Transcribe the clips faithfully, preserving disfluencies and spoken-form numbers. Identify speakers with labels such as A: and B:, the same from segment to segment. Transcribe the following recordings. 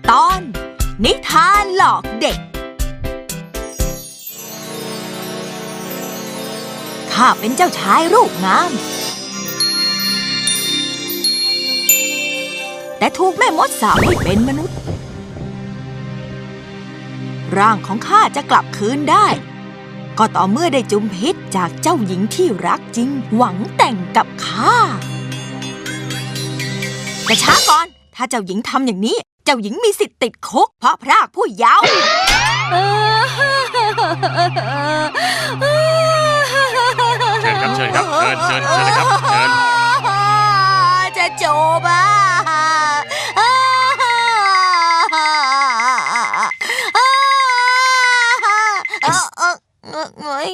A: ตอนนิทานหลอกเด็กข้าเป็นเจ้าชายรูปงามแต่ถูกแม่มดสาปให้เป็นมนุษย์ร่างของข้าจะกลับคืนได้ก็ต่อเมื่อได้จุมพิษจากเจ้าหญิงที่รักจริงหวังแต่งกับข้าแต่ช้าก่อนถ้าเจ้าหญิงทำอย่างนี้เจ้าหญิงมีสิทธิ์ติดคุกเพราะพรากผู้เยาว์
B: เชิญครับเชิญครับเชิญเชิญเชิญเลยครับเชิญ
A: จะจบอ่ะเงย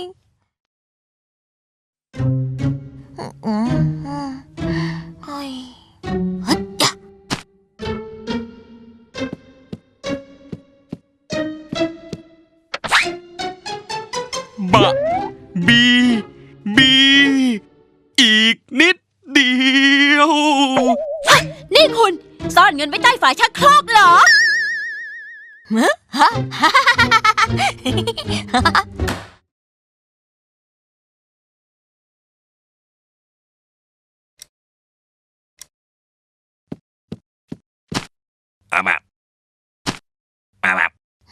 A: เฮ้ยฮึดยะ
B: บะบีบีอีกนิดเดียว
C: นี่คุณซ่อนเงินไว้ใต้ฝาชักโครกเหรอ
A: ฮะ
B: อาบับอาบับ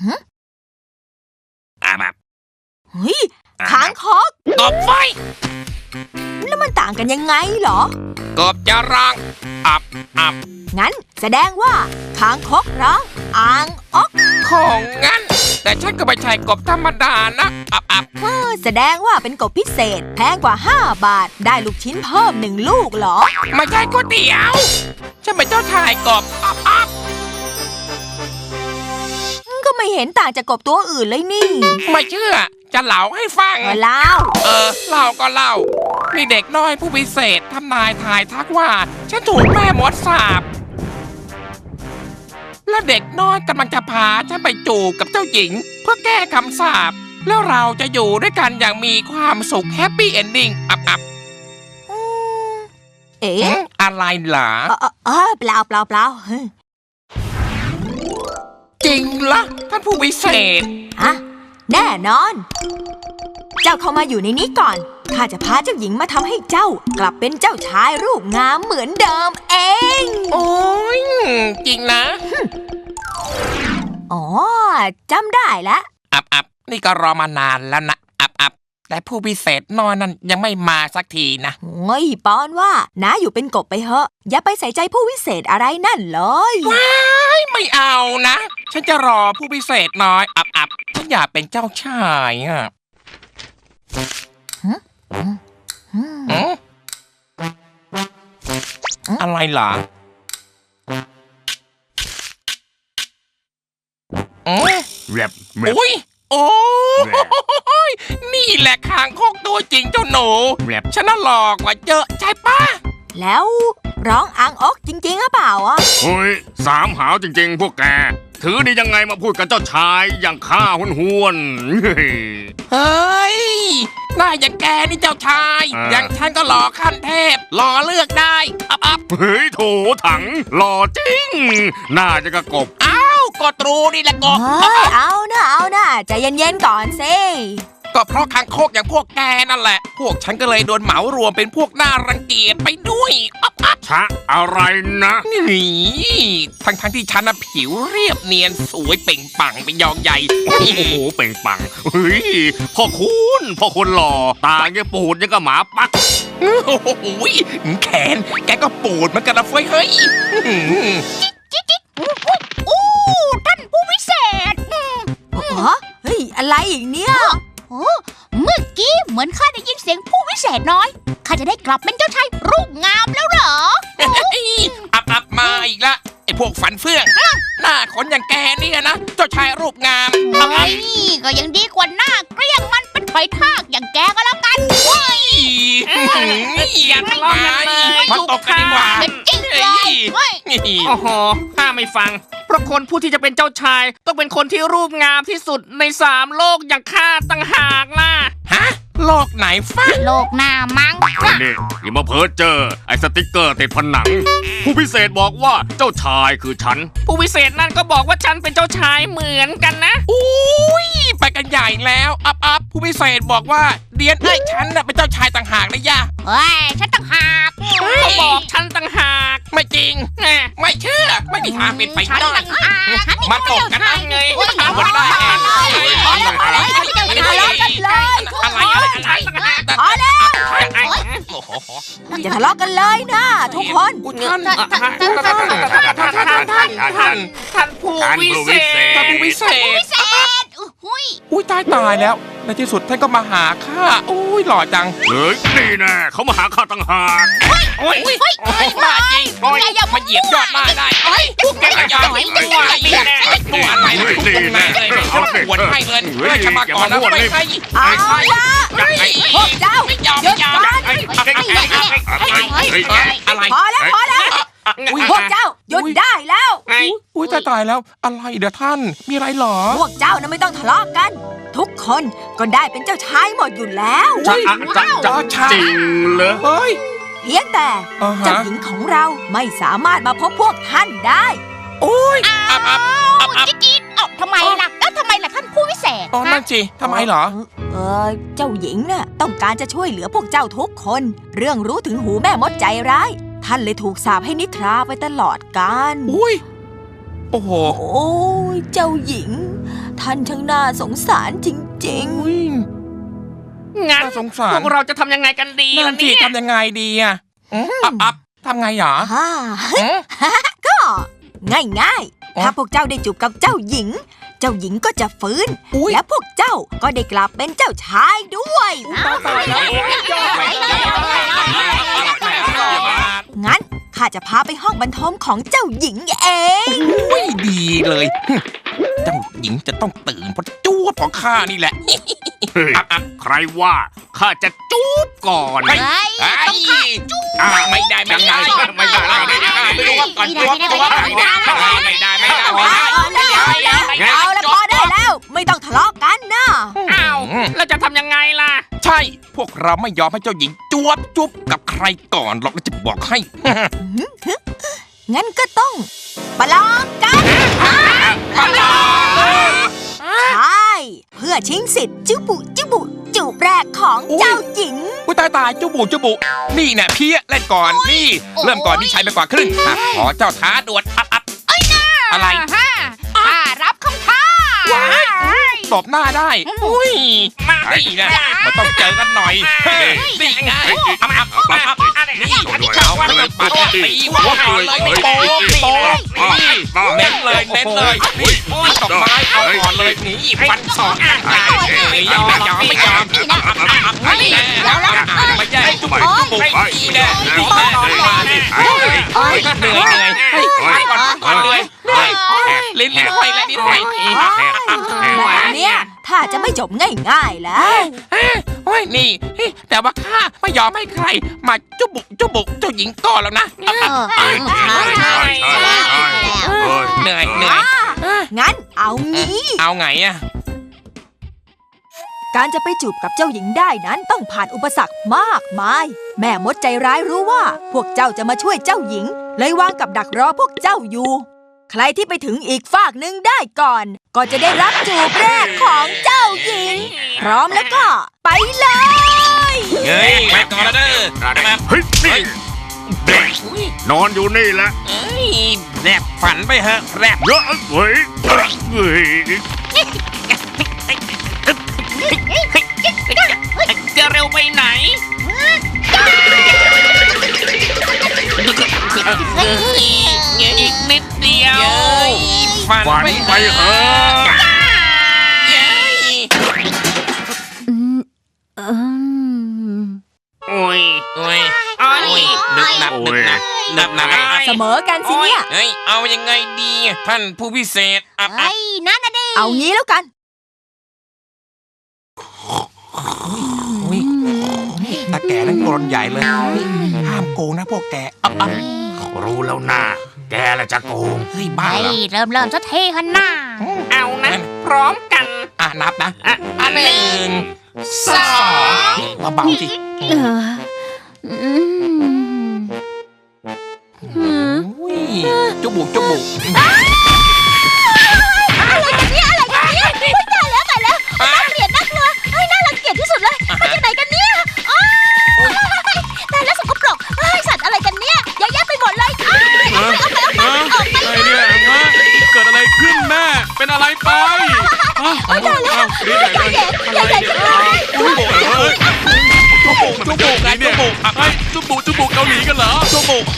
B: อาบับ
A: เฮ้ยคางคก
B: กบไฟ
A: แล้วมันต่างกันยังไงเหรอก
B: บจะร้องอับอับ
A: งั้นแสดงว่าคางคกร้องอ่างอ๊อก
B: ของงั้นแต่ฉันก็ไม่ใช่กบธรรมดานะอับอับ
A: เออแสดงว่าเป็นกบพิเศษแพงกว่าห้าบาทได้ลูกชิ้นเพิ่มหนึ่งลูกเหรอ
B: ไม่ใช่ก๋วยเตี๋ยวฉันเป็นเจ้าชายกบอับอับ
A: ก็ไม่เห็นต่างจากกบตัวอื่นเลยนี่
B: ไม่เชื่อจะเล่าให้ฟัง
A: เล่า
B: เออเล่าก็เล่ามีเด็กน้อยผู้พิเศษทำนายทายทักว่าฉันถูกแม่มดสาปและเด็กน้อยกำลังจะพาฉันไปจูบกับเจ้าหญิงเพื่อแก้คำสาปแล้วเราจะอยู่ด้วยกันอย่างมีความสุขแฮปปี้เอนดิ้งอับอับ
A: เอ๊ะ
B: อะไรเหรอ
A: เออเปล่าเปล่าเปล่า
B: จริงล่ะท่านผู้พิเศษ
A: อะแน่นอนเจ้าเข้ามาอยู่ในนี้ก่อนข้าจะพาเจ้าหญิงมาทำให้เจ้ากลับเป็นเจ้าชายรูปงามเหมือนเดิมเอง
B: โอ้ยจริงนะ
A: อ๋อจำได้แล้ว
B: อับอับนี่ก็รอมานานแล้วนะอับอับแต่ผู้พิเศษน้อยนั้นยังไม่มาสักทีนะ
A: โอ้ยปอนว่าน้าอยู่เป็นกบไปเหอะอย่าไปใส่ใจผู้พิเศษอะไรนั่นเลย
B: ว้ายไม่เอานะฉันจะรอผู้พิเศษน้อยอับอับฉันอยากเป็นเจ้าชายอ่ะอะไรเหรอแรบโอ้ยโอ้ยนี่แหละคางคกตัวจริงเจ้าหนูแรบฉันน่ะหลอกกว่าเยอะใช่ปะ
A: แล้วร้องอ่างอ๊อกจริงๆหรือเปล่าอ่ะ
D: เฮ้ยสามหาวจริงๆพวกแกถือดียังไงมาพูดกับเจ้าชายอย่างข้าหุนหวน
B: เฮ้ยน่าอย่างแกนี่เจ้าชายอย่างฉันก็หล่อขั้นเทพหล่อเลือกได้อับอับ
D: เฮ้ยโถถังหล่อจริงน่าจะกระกบ
B: อ้าวก็ตรูนี่แหละกบ
A: เฮ้ยเอานะเอานะใจเย็นๆก่อนสิ
B: ก็เพราะคางคกอย่างพวกแกนั่นแหละพวกฉันก็เลยโดนเหมารวมเป็นพวกน่ารังเกียจไปด้วยอับอับ
D: ชะอะไรนะ
B: นี่ทั้งทั้งที่ฉันน่ะผิวเรียบเนียนสวยเป่งปังเป็นยองใหญ่
D: โอ้โหเป่งปังเฮ้ยพ่อคุณพ่อคนหล่อตาแกปูดยังกับหมาปัก
B: โอ้โหแขนแกก็ปูดเหมือนกันนะเฟ้ยเฮ้ย
C: จิ๊กจิ๊กโอ้ท่านผู้พิเศษ
A: เฮ้ยอะไรอีกเนี่ย
C: โอ้เมื่อกี้เหมือนข้าได้ยินเสียงผู้วิเศษน้อยข้าจะได้กลับเป็นเจ้าชายรูปงามแล้วเหรอ
B: อับอับมาอีกละไอ้พวกฝันเฟื่องหน้าขนอย่างแกเนี่ยนะเจ้าชายรูปงาม
C: เฮ้ยก็ยังดีกว่าหน้าเกลี้ยงมันเป็นไฟทากอย่างแกก็แล้วกันเฮ้ย
B: อย่าทะเลาะกันเลยมาตบกันดีกว่า
C: จริงเลย
E: โอ้โหข้าไม่ฟังเพราะคนผู้ที่จะเป็นเจ้าชายต้องเป็นคนที่รูปงามที่สุดในสามโลกอย่างข้าต่างหากล่ะ
B: ฮะโลกไหนฟ้า
C: โลกหน้ามั้ง
D: ไอ้นี่อย่ามาเพ้อเจอไอ้สติกเกอร์ติดผนัง ผู้พิเศษบอกว่าเจ้าชายคือฉัน
E: ผู้วิเศษนั่นก็บอกว่าฉันเป็นเจ้าชายเหมือนกันนะ
B: อุ้ยไปกันใหญ่แล้วอัพอัพผู้พิเศษบอกว่าเดียนไอ้ยฉันน่ะเป็นเจ้าชายต่างหากนะย่า
C: เฮ้ย ฉันต่างหาก
E: เขาบอกฉันต่างหาก
B: ไม่จริง
E: แหม
B: ไม่เชื่อไม่มีทางเป็นไป
C: ฉัน
B: ได้
C: ต่างหากฉัน
B: มาตกกันได้ไง
C: โอ้ย
B: ทำกันได้
C: พอแล้วพอแล้วพอแล้วอย่าทะเลาะกันเลยทุก
B: อะไร
C: คน
B: อะไรอะไร
A: พอแล้ว
B: โอ้โห
A: อย่าทะเลาะกันเลยนะทุกคน
B: อุ๊ยท่าน
E: ท่านท่านท่านท่านท่านท่านท่านท่านผู้วิเศษ
B: ท่านผู้วิเศษ
C: พิเศษอุ้ย
B: อุ้ยตายตายแล้วในที่สุดท่านก็มาหาข้าอุ้ยหล่อจัง
D: เฮ้ยนี่แน่เขามาหาข้าต่างหาก
B: โอ้ย
C: เฮ้ยเฮ้ย
B: บ้าจริง
C: โอ้ยอย่า
B: มาเหยียบยอดหน้าได้เฮ้ยพวกแกอย่าไปตัวนี่แน่ตัวอะไรตัวไหนเลยไม่ต้องปวดให้เงินเฮ้ยชมาก่อนนะไม่ใช่
A: เอาละพวกเจ้า
B: ไม่ยอม
A: หยุ
B: ไม่
A: ด
B: ยอม
A: ก่อน
B: อะไร
A: พอแล้วพอแล้วพวกเจ้าหยุดได้แล้ว
E: ไง
B: อุ้ยตายตายแล้วอะไรเดี๋ยวท่านมีอะไรหรอ
A: พวกเจ้านะไม่ต้องทะเลาะกัน ทุกคนก็ได้เป็นเจ้าชายหมดอยู่แล้ว
D: จะอะจะจะจริงเหรอ
B: เฮ้ย
A: เพียงแต่
B: อ่าฮะ
A: เจ้าหญิงของเราไม่สามารถมาพบพวกท่านได้
B: โอ้ยอับอับอับอับ
C: จิ๊กจิ๊กเอ้าทำไมล่ะแล้วทำไมล่ะท่านผู้วิเศษ
B: ตอนนั้นสิทำไมเหรอ
A: เออเจ้าหญิงน่ะต้องการจะช่วยเหลือพวกเจ้าทุกคน เรื่องรู้ถึงหูแม่มดใจร้าย ท่านเลยถูกสาปให้นิทราไปตลอดกาล
B: อุ้ยโอ้โห
A: โอ้ยเจ้าหญิง ท่านช่างน่าสงสารจริง
B: อุ้ย
E: งั้น
B: น่าสงสา
E: พ
B: ร
E: วกเราจะทำยังไงกันดี
B: นั่
E: ล่ะ
B: นสิ
E: เนี่ย
B: ทำยังไงดีอ่ะอับอับทำไงหรอ
A: ๆฮ่า
B: อืม
A: ก็ง่าย
B: อ๋อ
A: ๆ ถ้าพวกเจ้าได้จูบกับเจ้าหญิง เจ้าหญิงก็จะฟื้น
B: อุ้ย
A: และพวกเจ้าก็ได้กลับเป็นเจ้าชายด้วย
B: ตายแล้ว
A: งั้นข้าจะพาไปห้องบรรทมของเจ้าหญิงเอง
B: อุ้ยดีเลยเจ้าหญิงจะต้องตื่นเพราะจ้วบของข้านี่แหละ
D: เฮ้ยใครว่าข้าจะจูบก่อน
B: เฮ้ย
C: เฮ้ย
B: ไอ้
C: ต้องฆ่าจุ๊บ
B: อ่ะไม่ได้ไม่ได้ไม่ได้ไม่ได้ไม่รู้ว่าก่อนจ้วบจ้วบไม่ได้ไม่ได้ไม่ได้
A: เอาละพอได้แล้ว ไม่ต้องทะเลาะกันนะ
E: อ้าวแล้วจะทำยังไงล่ะ
B: ใช่ พวกเราไม่ยอมให้เจ้าหญิงจวบจุบกับใครก่อนหรอกแล้วจะบอกให้
A: งั้นก็ต้องประลองกัน ใช่ เพื่อชิงสิทธิ์จุบุจุบุจูบแรกของเจ้าหญิง
B: อุ้ยตายตายจุบุจุบุนี่แน่เพี้ยเล่นก่อนนี่ เริ่มก่อนพี่ชายไปกว่าครึ่งอ่ะขอเจ้าท้าดวลอับอับอะไร
C: ฮ่าฮ่ารับคำท้า
B: ตบหน้าได้อุ้ยมานี่นะมันต้องเจอกันหน่อยนี่ไงอับอับอับอับนี่เขาว่าจะปัดตีหัวก่อนเลยนี่โป๊ะโป๊ะนี่เน้นเลยเน้นเลยนี่ตบไม้เอาก่อนเลยนี่ฟันสองไม่ยอมยอมไม่ยอมอับอับอับอับนี่แน่ไม่แย่จุบุจุบุนี่แน่นี่แน่มาดิเหนื่อยเหนื่อยให้ก่อนก่อนเลยลิ้นลิ้นห้อยและลิ้นห้อย
A: แบบเนี้ยถ้าจะไม่จบง่ายๆแล้ว
B: โอ้ยนี่แต่ว่าข้าไม่ยอมให้ใครมาจุบุจุบุเจ้าหญิงก่อนแล้วนะเหนื่อยเหนื่อย
A: งั้นเอางี้
B: เอาไงอะ
A: การจะไปจูบกับเจ้าหญิงได้นั้นต้องผ่านอุปสรรคมากมาย แม่มดใจร้ายรู้ว่า พวกเจ้าจะมาช่วยเจ้าหญิง เลยวางกับดักรอพวกเจ้าอยู่ ใครที่ไปถึงอีกฝากหนึ่งได้ก่อน ก็จะได้รับจูบแรกของเจ้าหญิง พร้อมแล้วก็ ไปเลย
B: เฮ้ยไปก่อนแล้วเด้อ
D: เฮ้ยนี่เด็กนอนอยู่นี่แหละ
B: เอ้ยแรบฝันไปเถอะแรบ
D: เยอะเฮ้ยเฮ้ย
E: จะเร็วไปไหน อีกนิดเดียว
B: ฝัน
D: ฝัน
B: ไป
D: ไปเถอะ
E: โอ้ย
B: โอ้ย
E: โอ้ย
B: นึกนับนึกนับนับนับ
A: เสมอกันสิเนี่ย
B: เฮ้ยเอายังไงดีท่านผู้พิเศษอับอั
C: เฮ้
B: บ
C: ยนั่นน่ะดิ
A: เอางี้แล้วกัน
B: อุ้ยตาแก่นั่งกรนใหญ่เลยห้ามโกงนะพวกแกอับอับ
D: รู้แล้วนะแกละจะโกง
B: เฮ้ยบ้า
C: เฮ้
B: เหรอย
C: เริ่มเริ่มจะเทหันหน้า
E: เอานะ พร้อมกัน
B: อ่ะนับนะ
E: อ่ะ
B: อันหนึ่ง
E: สอง
B: มาเบาสิ
C: เอออืมอืม
B: อุ้ยจุบุกจุบุก
C: อะไรกันเนี่ยอะไรกันเนี่ยอุ๊ยตายแล้วตายแล้วน่าเกลียดน่ากลัวเฮ้ยน่ารังเกียจที่สุดเลยมาจากไหนกันเนี่ยอ้าวตายแล้วสกปรกเฮ้ยสัตว์อะไรกันเนี่ยเยอะแยะไปหมดเลยอ้าวเอาไปเอาไปเอาไปออกไป
D: ไอ้เนี่ยฮะเกิดอะไรขึ้นแม่เป็นอะไรไปอ้าวอ้าวนี่ไหนเลยอะไรเนี่ยจุบุกเอ้ยจุบุกจุบุกไงเนี่ยไอ้จุบุกจุบุกเกาหลีกันเหรอจุบุก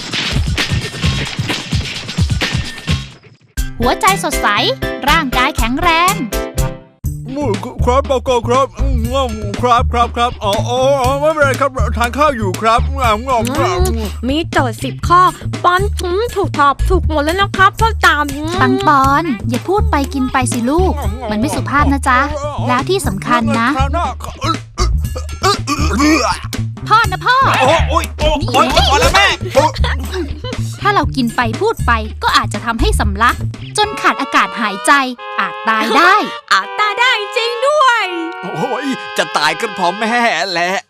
C: หัวใจสดใสร่างกายแข็งแรง
F: ครับบอกก่อนครับอืมครับครับครับอ๋ออ๋อไม่เป็นไรครับทานข้าวอยู่ครับงามงามงาม
G: มีโจทย์สิบข้อปอนอืมถูกตอบถูกหมดแล้วนะครับพ่อตาม
C: ปังปอน อย่าพูดไปกินไปสิลูก มันไม่สุภาพนะจ๊ะ แล้วที่สำคัญนะ พ่อนะพ่อ
F: โอ้โอ้ยโอ้
C: นี่
F: โอ้ยพอแล้วแม่
C: ถ้าเรากินไปพูดไปก็อาจจะทำให้สำลัก จนขาดอากาศหายใจอาจตายได้
G: อาจตาได้จริงด้วย
F: โอ้ยจะตายกันเพราะแม่แหละ